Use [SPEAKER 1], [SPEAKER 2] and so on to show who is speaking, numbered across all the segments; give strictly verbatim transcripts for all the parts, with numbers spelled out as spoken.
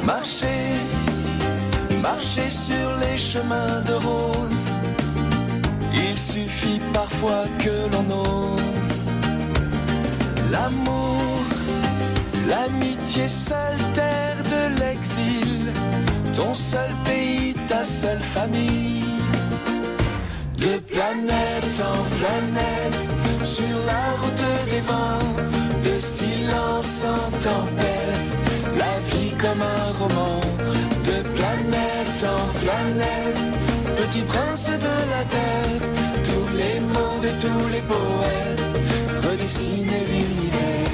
[SPEAKER 1] Marcher, marcher sur les chemins de rose. Il suffit parfois que l'on ose. L'amour, l'amitié, seule terre de l'exil. Ton seul pays, ta seule famille. De planète en planète, sur la route des vents, de silence en tempête, la vie comme un roman. De planète en planète, petit prince de la terre, tous les mots de tous les poètes redessinent l'univers.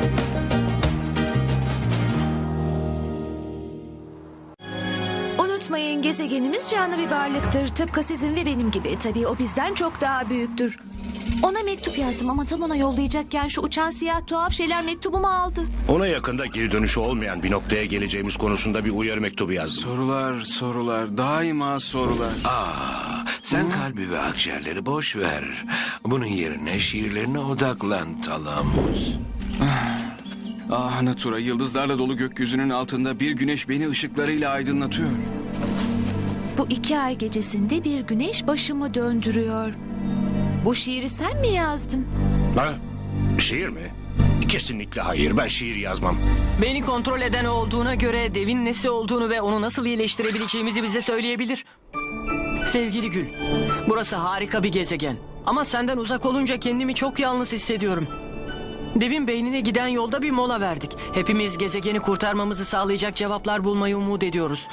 [SPEAKER 2] Unutmayın, gezegenimiz canlı bir varlıktır. Tıpkı sizin ve benim gibi. Tabii o bizden çok daha büyüktür. Ona mektup yazdım ama tam ona yollayacakken şu uçan siyah tuhaf şeyler mektubumu aldı.
[SPEAKER 3] Ona yakında geri dönüşü olmayan bir noktaya geleceğimiz konusunda bir uyarı mektubu yazdım.
[SPEAKER 4] Sorular, sorular, daima sorular.
[SPEAKER 5] Aa, sen kalbi ve akciğerleri boş ver. Bunun yerine şiirlerine odaklan Talamus.
[SPEAKER 4] Ah Natura, yıldızlarla dolu gökyüzünün altında bir güneş beni ışıklarıyla aydınlatıyor.
[SPEAKER 2] Bu iki ay gecesinde bir güneş başımı döndürüyor. Bu şiiri sen mi yazdın?
[SPEAKER 3] Ha? Şiir mi? Kesinlikle hayır. Ben şiir yazmam.
[SPEAKER 6] Beni kontrol eden olduğuna göre devin nesi olduğunu ve onu nasıl iyileştirebileceğimizi bize söyleyebilir. Sevgili Gül, burası harika bir gezegen. Ama senden uzak olunca kendimi çok yalnız hissediyorum. Devin beynine giden yolda bir mola verdik. Hepimiz gezegeni kurtarmamızı sağlayacak cevaplar bulmayı umut ediyoruz.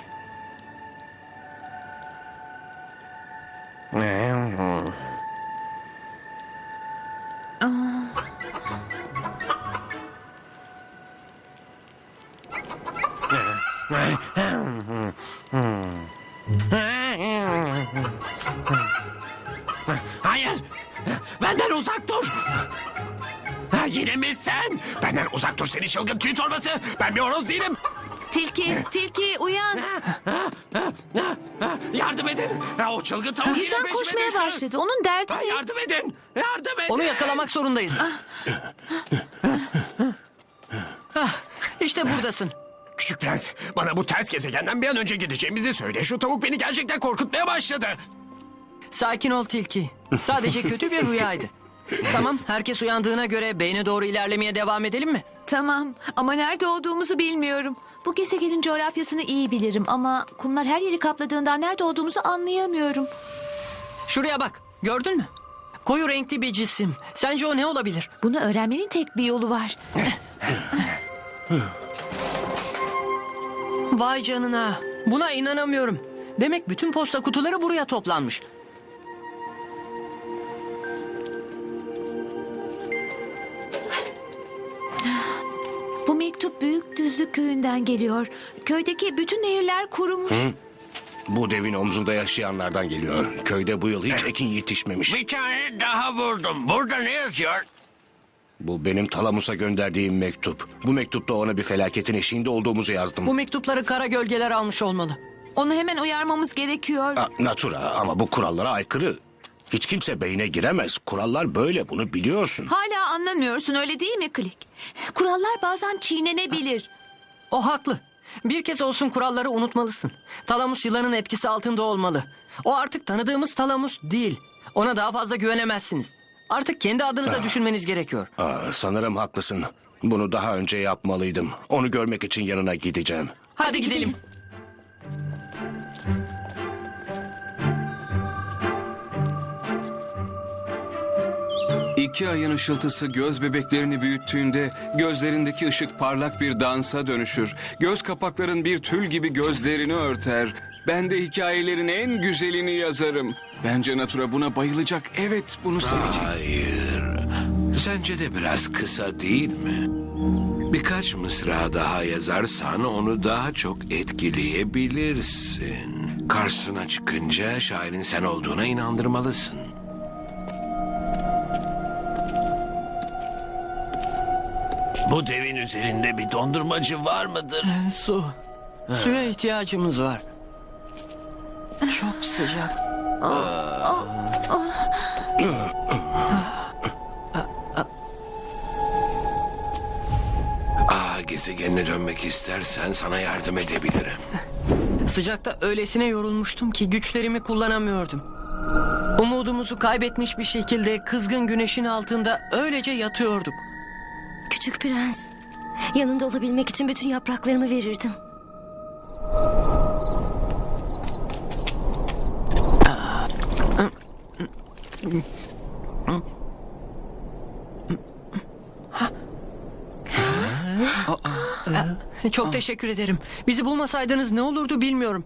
[SPEAKER 3] Hayır! Benden uzak dur! Ha, yine mi sen? Benden uzak dur seni çılgın tüy torbası! Ben bir horoz değilim!
[SPEAKER 2] Tilki, tilki uyan.
[SPEAKER 3] Yardım edin! Ha, o çılgın tavuk yine
[SPEAKER 2] Birden
[SPEAKER 3] peşime
[SPEAKER 2] koşmaya
[SPEAKER 3] düştü!
[SPEAKER 2] başladı. Onun derdi
[SPEAKER 3] Ha,
[SPEAKER 2] ne?
[SPEAKER 3] yardım edin! Yardım edin!
[SPEAKER 6] Onu yakalamak zorundayız. Hah, işte buradasın.
[SPEAKER 3] Küçük prens, bana bu ters gezegenden bir an önce gideceğimizi söyle. Şu tavuk beni gerçekten korkutmaya başladı.
[SPEAKER 6] Sakin ol Tilki. Sadece kötü bir rüyaydı. Tamam, herkes uyandığına göre beyne doğru ilerlemeye devam edelim mi?
[SPEAKER 2] Tamam ama nerede olduğumuzu bilmiyorum. Bu gezegenin coğrafyasını iyi bilirim ama kumlar her yeri kapladığından nerede olduğumuzu anlayamıyorum.
[SPEAKER 6] Şuraya bak, gördün mü? Koyu renkli bir cisim. Sence o ne olabilir?
[SPEAKER 2] Bunu öğrenmenin tek bir yolu var.
[SPEAKER 6] Vay canına. Buna inanamıyorum. Demek bütün posta kutuları buraya toplanmış.
[SPEAKER 2] Bu mektup Büyükdüzlük köyünden geliyor. Köydeki bütün nehirler kurumuş.
[SPEAKER 3] Bu devin omzunda yaşayanlardan geliyor. Köyde bu yıl hiç ekin yetişmemiş.
[SPEAKER 5] Bir tane daha buldum. Burada ne yazıyor?
[SPEAKER 3] Bu benim Talamus'a gönderdiğim mektup. Bu mektupta ona bir felaketin eşiğinde olduğumuzu yazdım.
[SPEAKER 6] Bu mektupları kara gölgeler almış olmalı.
[SPEAKER 2] Onu hemen uyarmamız gerekiyor.
[SPEAKER 3] Aa, Natura, ama bu kurallara aykırı. Hiç kimse beyne giremez. Kurallar böyle, bunu biliyorsun.
[SPEAKER 2] Hala anlamıyorsun, öyle değil mi Klik? Kurallar bazen çiğnenebilir.
[SPEAKER 6] O haklı. Bir kez olsun kuralları unutmalısın. Talamus yılanın etkisi altında olmalı. O artık tanıdığımız Talamus değil. Ona daha fazla güvenemezsiniz. Artık kendi adınıza düşünmeniz gerekiyor.
[SPEAKER 3] Aa, sanırım haklısın. Bunu daha önce yapmalıydım. Onu görmek için yanına gideceğim.
[SPEAKER 6] Hadi,
[SPEAKER 2] Hadi
[SPEAKER 6] gidelim.
[SPEAKER 2] gidelim.
[SPEAKER 4] İki ayın ışıltısı göz bebeklerini büyüttüğünde gözlerindeki ışık parlak bir dansa dönüşür. Göz kapakların bir tül gibi gözlerini örter. Ben de hikayelerin en güzelini yazarım. Bence Natura buna bayılacak. Evet, bunu sevecek.
[SPEAKER 5] Hayır. Sence de biraz kısa değil mi? Birkaç mısra daha yazarsan onu daha çok etkileyebilirsin. Karşısına çıkınca şairin sen olduğuna inandırmalısın.
[SPEAKER 7] Bu devin üzerinde bir dondurmacı var mıdır?
[SPEAKER 6] Su. Suya ihtiyacımız var. Çok sıcak.
[SPEAKER 5] Ah gezegenine dönmek istersen sana yardım edebilirim.
[SPEAKER 6] Sıcakta öylesine yorulmuştum ki güçlerimi kullanamıyordum. Umudumuzu kaybetmiş bir şekilde kızgın güneşin altında öylece yatıyorduk.
[SPEAKER 8] Küçük prens, yanında olabilmek için bütün yapraklarımı verirdim.
[SPEAKER 6] Çok teşekkür ederim. Bizi bulmasaydınız ne olurdu bilmiyorum.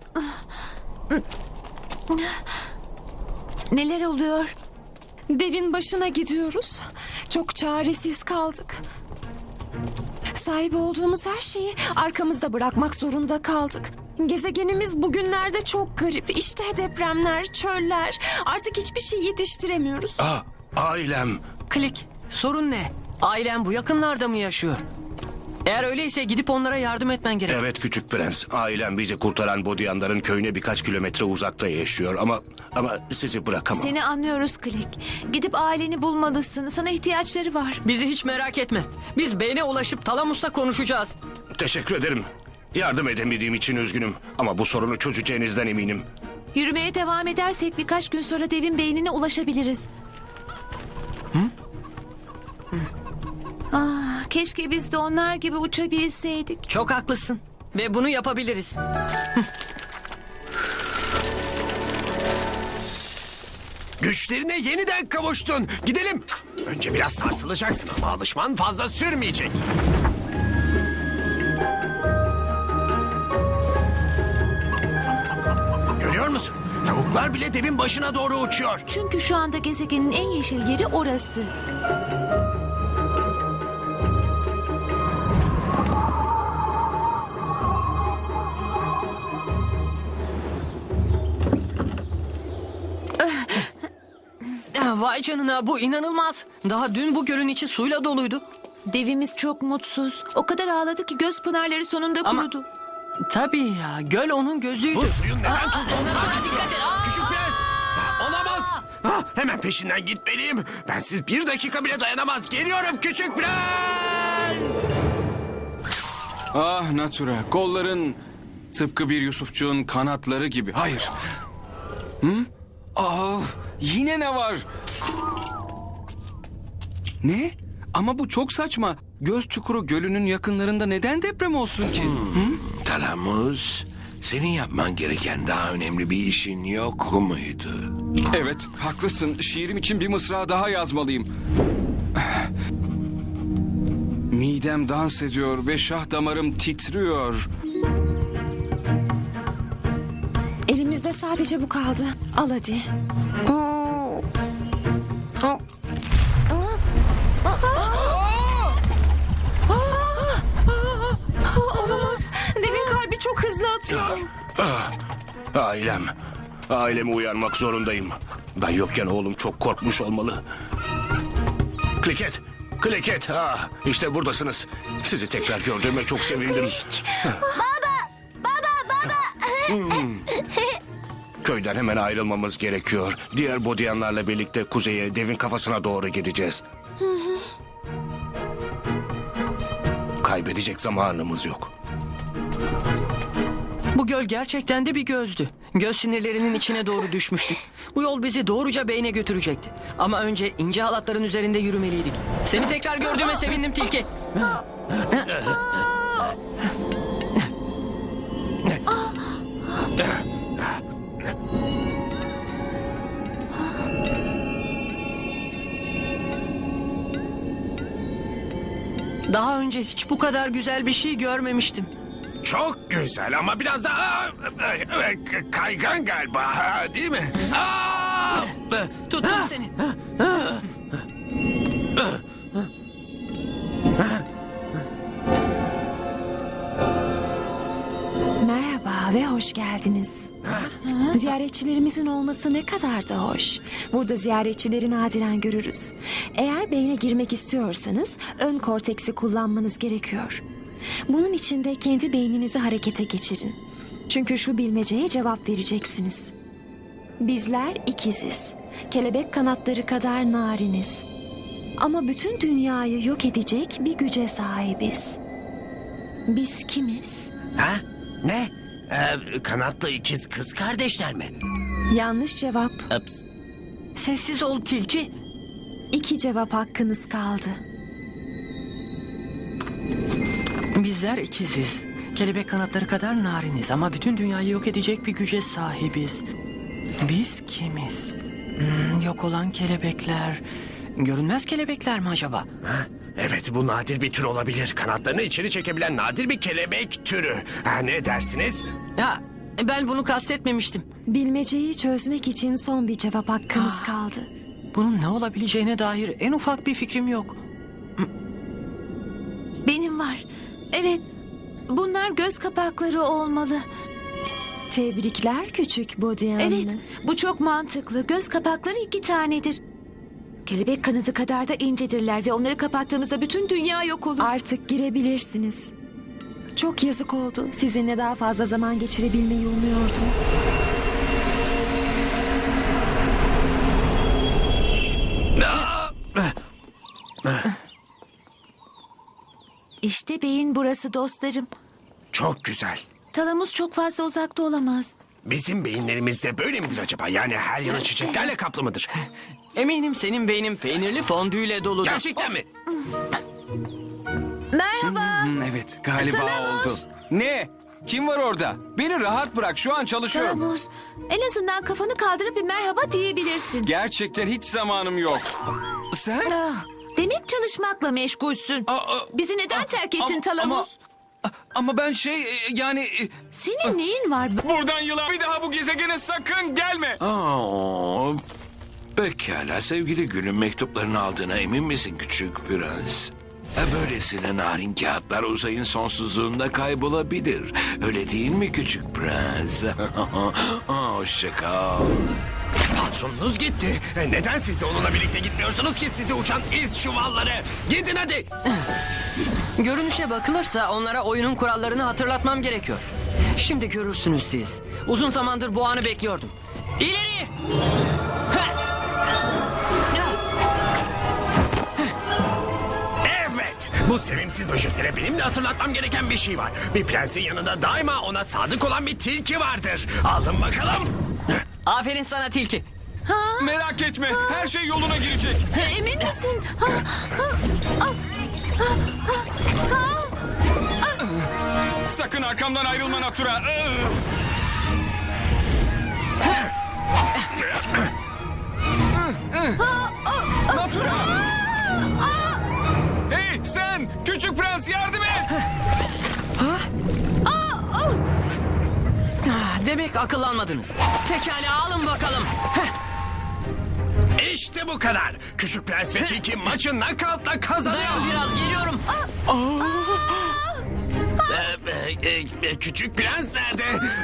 [SPEAKER 2] Neler oluyor?
[SPEAKER 9] Devin başına gidiyoruz. Çok çaresiz kaldık. Sahip olduğumuz her şeyi arkamızda bırakmak zorunda kaldık. Gezegenimiz bugünlerde çok garip. İşte depremler, çöller. Artık hiçbir şey yetiştiremiyoruz.
[SPEAKER 5] Aa, ailem.
[SPEAKER 6] Klik, sorun ne? Ailen bu yakınlarda mı yaşıyor? Eğer öyleyse gidip onlara yardım etmen gerek.
[SPEAKER 10] Evet küçük prens. Ailem bizi kurtaran Bodyanların köyüne birkaç kilometre uzakta yaşıyor ama ama sizi bırakamam.
[SPEAKER 2] Seni anlıyoruz Klik. Gidip aileni bulmalısın. Sana ihtiyaçları var.
[SPEAKER 6] Bizi hiç merak etme. Biz beyne ulaşıp Talamus'la konuşacağız.
[SPEAKER 10] Teşekkür ederim. Yardım edemediğim için üzgünüm ama bu sorunu çözeceğinizden eminim.
[SPEAKER 2] Yürümeye devam edersek birkaç gün sonra devin beynine ulaşabiliriz.
[SPEAKER 6] Hı?
[SPEAKER 2] Hı. Ah, keşke biz de onlar gibi uçabilseydik.
[SPEAKER 6] Çok haklısın ve bunu yapabiliriz.
[SPEAKER 3] Güçlerine yeniden kavuştun. Gidelim. Önce biraz sarsılacaksın ama alışman fazla sürmeyecek. Görüyor musun? Tavuklar bile devin başına doğru uçuyor.
[SPEAKER 2] Çünkü şu anda gezegenin en yeşil yeri orası.
[SPEAKER 6] Vay canına, bu inanılmaz. Daha dün bu gölün içi suyla doluydu.
[SPEAKER 2] Devimiz çok mutsuz. O kadar ağladı ki göz pınarları sonunda
[SPEAKER 6] Ama-
[SPEAKER 2] kurudu.
[SPEAKER 6] Tabii ya, göl onun gözüydü.
[SPEAKER 3] Bu suyun neden tuzlu olduğunu
[SPEAKER 6] Aa,
[SPEAKER 3] açıklıyor.
[SPEAKER 6] dikkat et. Aa!
[SPEAKER 3] Küçük prens. Ha, olamaz. Ha, hemen peşinden gitmeliyim. Bensiz bir dakika bile dayanamaz. Geliyorum küçük prens.
[SPEAKER 4] Ah Natura, kolların tıpkı bir Yusufçuğun kanatları gibi. Hayır. Hı? Ah, yine ne var? Ne? Ama bu çok saçma. Göz Çukuru Gölü'nün yakınlarında neden deprem olsun ki? Hı?
[SPEAKER 5] Talamus, senin yapman gereken daha önemli bir işin yok muydu?
[SPEAKER 4] Evet, haklısın. Şiirim için bir mısra daha yazmalıyım. Midem dans ediyor ve şah damarım titriyor.
[SPEAKER 9] Elimizde sadece bu kaldı. Al hadi. Olamaz. Devin kalbi çok hızlı atıyor.
[SPEAKER 10] Ah, ailem. Ailemi uyarmak zorundayım. Ben yokken oğlum çok korkmuş olmalı. Kliket. Kliket. Ah, işte buradasınız. Sizi tekrar gördüğüme çok sevindim. Köyden hemen ayrılmamız gerekiyor. Diğer Bodyanlarla birlikte kuzeye, devin kafasına doğru gideceğiz. Kaybedecek zamanımız yok.
[SPEAKER 6] Bu göl gerçekten de bir gözdü. Göz sinirlerinin içine doğru düşmüştük. Bu yol bizi doğruca beyne götürecekti. Ama önce ince halatların üzerinde yürümeliydik. Seni tekrar gördüğüme sevindim Tilki. Daha önce hiç bu kadar güzel bir şey görmemiştim.
[SPEAKER 3] Çok güzel ama biraz daha e, kaygan galiba, ha, değil mi? Aa!
[SPEAKER 6] Tuttum seni.
[SPEAKER 9] Merhaba ve hoş geldiniz. Ziyaretçilerimizin olması ne kadar da hoş. Burada ziyaretçileri nadiren görürüz. Eğer beyne girmek istiyorsanız ön korteksi kullanmanız gerekiyor. Bunun için de kendi beyninizi harekete geçirin. Çünkü şu bilmeceye cevap vereceksiniz. Bizler ikiziz. Kelebek kanatları kadar nariniz. Ama bütün dünyayı yok edecek bir güce sahibiz. Biz kimiz?
[SPEAKER 3] Ha? Ne? Ee, kanatlı ikiz kız kardeşler mi?
[SPEAKER 9] Yanlış cevap.
[SPEAKER 3] Ups.
[SPEAKER 6] Sessiz ol tilki.
[SPEAKER 9] İki cevap hakkınız kaldı.
[SPEAKER 6] Bizler ikiziz. Kelebek kanatları kadar nariniz ama bütün dünyayı yok edecek bir güce sahibiz. Biz kimiz? Hmm, yok olan kelebekler. Görünmez kelebekler mi acaba?
[SPEAKER 3] Ha? Evet, bu nadir bir tür olabilir. Kanatlarını içeri çekebilen nadir bir kelebek türü. Ha, ne dersiniz?
[SPEAKER 6] Ha, ben bunu kastetmemiştim.
[SPEAKER 9] Bilmeceyi çözmek için son bir cevap hakkınız kaldı.
[SPEAKER 6] Bunun ne olabileceğine dair en ufak bir fikrim yok.
[SPEAKER 2] Benim var. Evet. Bunlar göz kapakları olmalı.
[SPEAKER 9] Tebrikler küçük Bodiyanlı.
[SPEAKER 2] Evet. Bu çok mantıklı. Göz kapakları iki tanedir. Kelebek kanadı kadar da incedirler ve onları kapattığımızda bütün dünya yok olur.
[SPEAKER 9] Artık girebilirsiniz. Çok yazık oldu. Sizinle daha fazla zaman geçirebilmeyi umuyordum.
[SPEAKER 2] İşte beyin burası dostlarım.
[SPEAKER 3] Çok güzel.
[SPEAKER 2] Talamus çok fazla uzakta olamaz.
[SPEAKER 3] Bizim beyinlerimiz de böyle midir acaba? Yani her yanı çiçeklerle kaplı mıdır?
[SPEAKER 6] Eminim senin beynin peynirli fondüyle doludur.
[SPEAKER 3] Gerçekten mi?
[SPEAKER 2] Merhaba.
[SPEAKER 4] Hmm, evet galiba
[SPEAKER 2] Talamus.
[SPEAKER 4] oldu. Ne? Kim var orada? Beni rahat bırak, şu an çalışıyorum.
[SPEAKER 2] Talamus, en azından kafanı kaldırıp bir merhaba diyebilirsin.
[SPEAKER 4] Gerçekten hiç zamanım yok. Sen?
[SPEAKER 2] Ah, demek çalışmakla meşgulsün.
[SPEAKER 4] Aa, aa,
[SPEAKER 2] Bizi neden
[SPEAKER 4] aa,
[SPEAKER 2] terk ettin
[SPEAKER 4] ama-
[SPEAKER 2] Talamus?
[SPEAKER 4] Ama, ama ben şey e, yani... e,
[SPEAKER 2] Senin neyin var?
[SPEAKER 4] Buradan yılan bir daha bu gezegene sakın gelme.
[SPEAKER 5] Aa, pekala sevgili Gül'ün mektuplarını aldığına emin misin küçük prens? E, Böylesine narin kağıtlar uzayın sonsuzluğunda kaybolabilir. Öyle değil mi küçük prens? Aa, hoşça kal.
[SPEAKER 3] Patronunuz gitti. E, Neden siz de onunla birlikte gitmiyorsunuz ki sizi uçan iz çuvalları? Gidin hadi.
[SPEAKER 6] Görünüşe bakılırsa onlara oyunun kurallarını hatırlatmam gerekiyor. Şimdi görürsünüz siz. Uzun zamandır bu anı bekliyordum. İleri! Ha!
[SPEAKER 3] Evet. Bu sevimsiz böceklere benim de hatırlatmam gereken bir şey var. Bir prensin yanında daima ona sadık olan bir tilki vardır. Alın bakalım.
[SPEAKER 6] Aferin sana tilki.
[SPEAKER 4] Merak etme, her şey yoluna girecek.
[SPEAKER 2] Emin misin? Ha, ha, ah,
[SPEAKER 4] Sakın arkamdan ayrılma Natura. Natura! Hey sen! Küçük prens yardım et!
[SPEAKER 6] Ah, Demek akıllanmadınız. Pekala alın bakalım.
[SPEAKER 3] İşte bu kadar. Küçük prens ve tilki maçı knockout'la kazanıyor.
[SPEAKER 6] Dayan biraz geliyorum.
[SPEAKER 3] Ee, e, e, küçük prens nerede?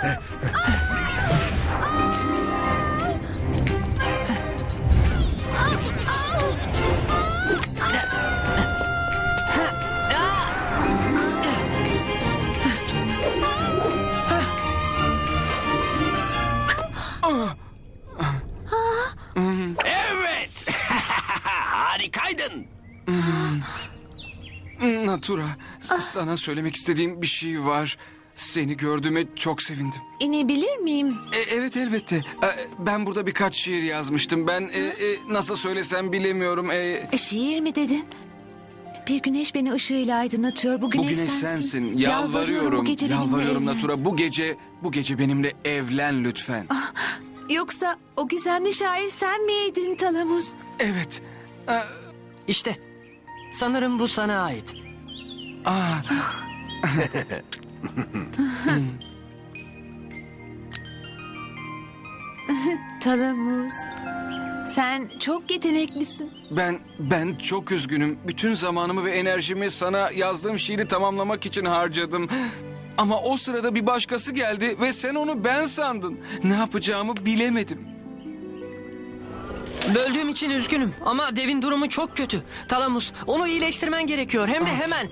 [SPEAKER 3] Evet. Harikaydın.
[SPEAKER 4] Natura, sana söylemek istediğim bir şey var. Seni gördüğüme çok sevindim.
[SPEAKER 2] İnebilir miyim?
[SPEAKER 4] E, evet elbette. E, ben burada birkaç şiir yazmıştım. Ben e, e, nasıl söylesem bilemiyorum. E,
[SPEAKER 2] E, şiir mi dedin? Bir güneş beni ışığıyla aydınlatıyor. Bu
[SPEAKER 4] bu
[SPEAKER 2] güneş,
[SPEAKER 4] güneş
[SPEAKER 2] sensin.
[SPEAKER 4] sensin. Yalvarıyorum.
[SPEAKER 2] bu gece benimle
[SPEAKER 4] Yalvarıyorum
[SPEAKER 2] evlen.
[SPEAKER 4] Natura. Bu gece bu gece benimle evlen lütfen.
[SPEAKER 2] Yoksa o gizemli şair sen miydin Talamus?
[SPEAKER 4] Evet. E,
[SPEAKER 6] İşte. Sanırım bu sana ait.
[SPEAKER 4] aa,
[SPEAKER 2] Talamus, sen çok yeteneklisin.
[SPEAKER 4] ben ben çok üzgünüm. Bütün zamanımı ve enerjimi sana yazdığım şiiri tamamlamak için harcadım. Ama o sırada bir başkası geldi ve sen onu ben sandın. Ne yapacağımı bilemedim.
[SPEAKER 6] Böldüğüm için üzgünüm ama devin durumu çok kötü. Talamus, onu iyileştirmen gerekiyor hem de hemen.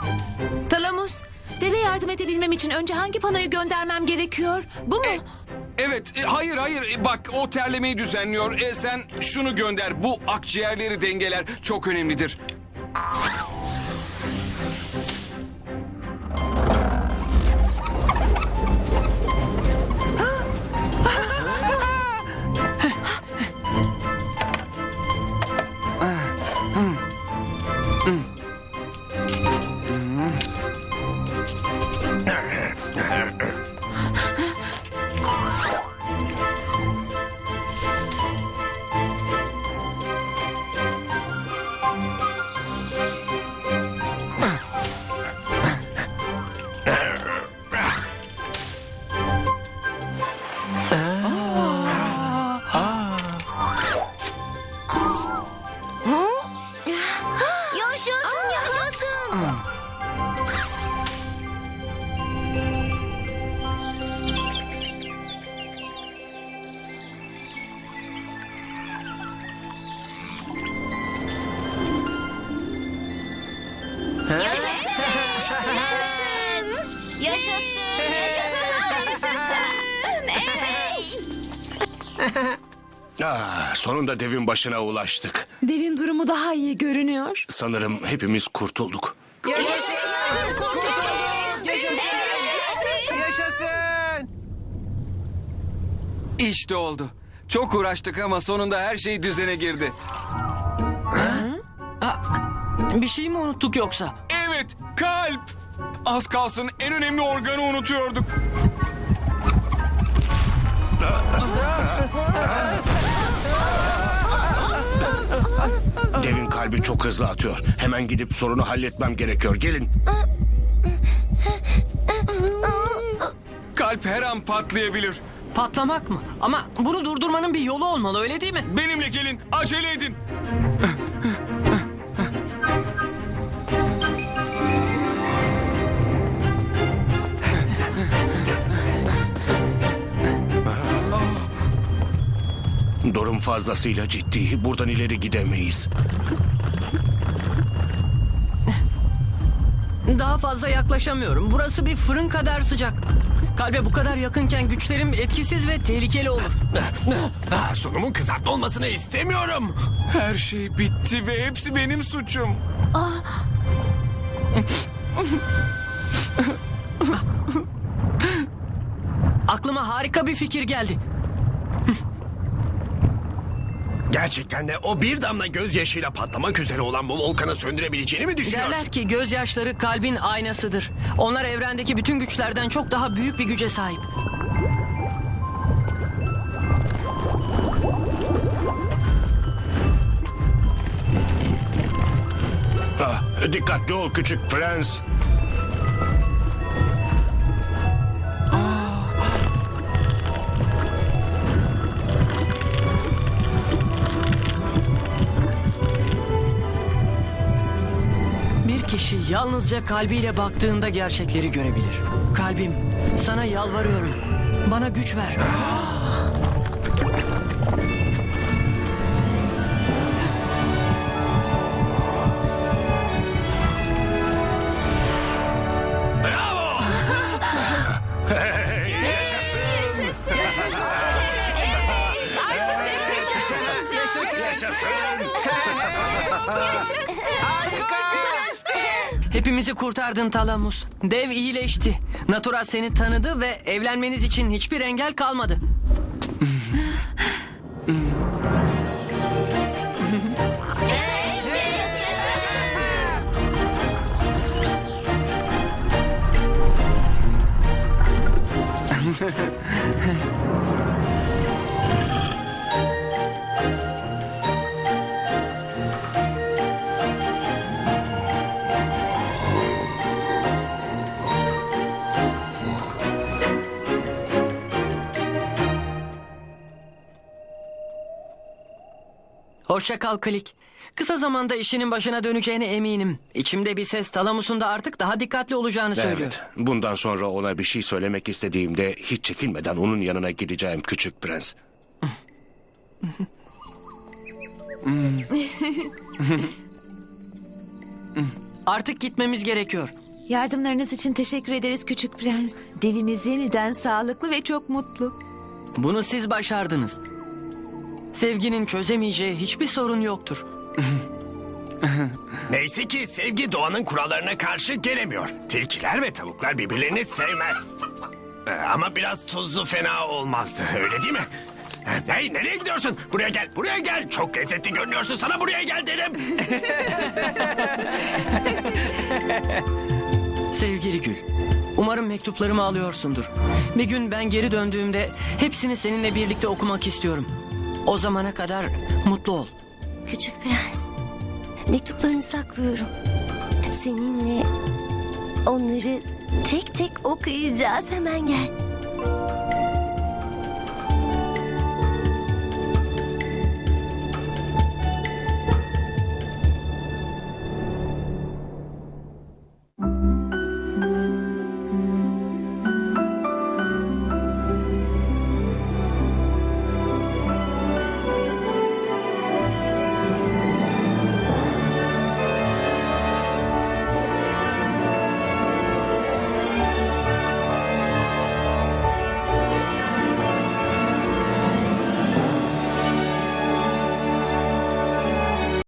[SPEAKER 2] Talamus, deve yardım edebilmem için önce hangi panoyu göndermem gerekiyor? Bu mu?
[SPEAKER 4] Evet, e, hayır hayır. E, bak o terlemeyi düzenliyor. E, sen şunu gönder. Bu akciğerleri dengeler. Çok önemlidir.
[SPEAKER 11] Yaşasın, yaşasın. Yaşasın. Yaşasın. Yaşasın. Yaşasın. Evet.
[SPEAKER 10] Ah, sonunda devin başına ulaştık.
[SPEAKER 9] Devin durumu daha iyi görünüyor.
[SPEAKER 10] Sanırım hepimiz kurtulduk.
[SPEAKER 11] Yaşasın.
[SPEAKER 4] Yaşasın! İşte oldu. Çok uğraştık ama sonunda her şey düzene girdi.
[SPEAKER 6] Bir şey mi unuttuk yoksa?
[SPEAKER 4] Evet, kalp. Az kalsın en önemli organı unutuyorduk.
[SPEAKER 10] Devin kalbi çok hızlı atıyor. Hemen gidip sorunu halletmem gerekiyor. Gelin.
[SPEAKER 4] Kalp her an patlayabilir.
[SPEAKER 6] Patlamak mı? Ama bunu durdurmanın bir yolu olmalı, öyle değil mi?
[SPEAKER 4] Benimle gelin, acele edin.
[SPEAKER 10] Durum fazlasıyla ciddi. Buradan ileri gidemeyiz.
[SPEAKER 6] Daha fazla yaklaşamıyorum. Burası bir fırın kadar sıcak. Kalbe bu kadar yakınken güçlerim etkisiz ve tehlikeli olur.
[SPEAKER 3] Ah, sonumun kızartma olmasını istemiyorum.
[SPEAKER 4] Her şey bitti ve hepsi benim suçum.
[SPEAKER 6] Aklıma harika bir fikir geldi.
[SPEAKER 3] Gerçekten de o bir damla gözyaşıyla patlamak üzere olan bu volkanı söndürebileceğini mi düşünüyorsun?
[SPEAKER 6] Derler ki gözyaşları kalbin aynasıdır. Onlar evrendeki bütün güçlerden çok daha büyük bir güce sahip.
[SPEAKER 10] Ah, dikkatli ol küçük prens.
[SPEAKER 6] Bir kişi yalnızca kalbiyle baktığında gerçekleri görebilir. Kalbim, sana yalvarıyorum. Bana güç ver.
[SPEAKER 3] Bravo!
[SPEAKER 6] Hepimizi kurtardın Talamus. Dev iyileşti. Natura seni tanıdı ve evlenmeniz için hiçbir engel kalmadı. Hoşça kal Klik. Kısa zamanda işinin başına döneceğine eminim. İçimde bir ses Talamus'un da artık daha dikkatli olacağını söylüyor.
[SPEAKER 10] Evet. Bundan sonra ona bir şey söylemek istediğimde hiç çekinmeden onun yanına gideceğim küçük prens.
[SPEAKER 6] Artık gitmemiz gerekiyor.
[SPEAKER 2] Yardımlarınız için teşekkür ederiz küçük prens. Devimiz yeniden sağlıklı ve çok mutlu.
[SPEAKER 6] Bunu siz başardınız. Sevginin çözemeyeceği hiçbir sorun yoktur.
[SPEAKER 3] Neyse ki sevgi doğanın kurallarına karşı gelemiyor. Tilkiler ve tavuklar birbirlerini sevmez. Ee, ama biraz tuzlu fena olmazdı, öyle değil mi? Hey, nereye gidiyorsun? Buraya gel, buraya gel. Çok lezzetli görünüyorsun, sana buraya gel dedim.
[SPEAKER 6] Sevgili Gül, umarım mektuplarımı alıyorsundur. Bir gün ben geri döndüğümde hepsini seninle birlikte okumak istiyorum. O zamana kadar mutlu ol.
[SPEAKER 8] Küçük prens, mektuplarını saklıyorum. Seninle onları tek tek okuyacağız. Hemen gel.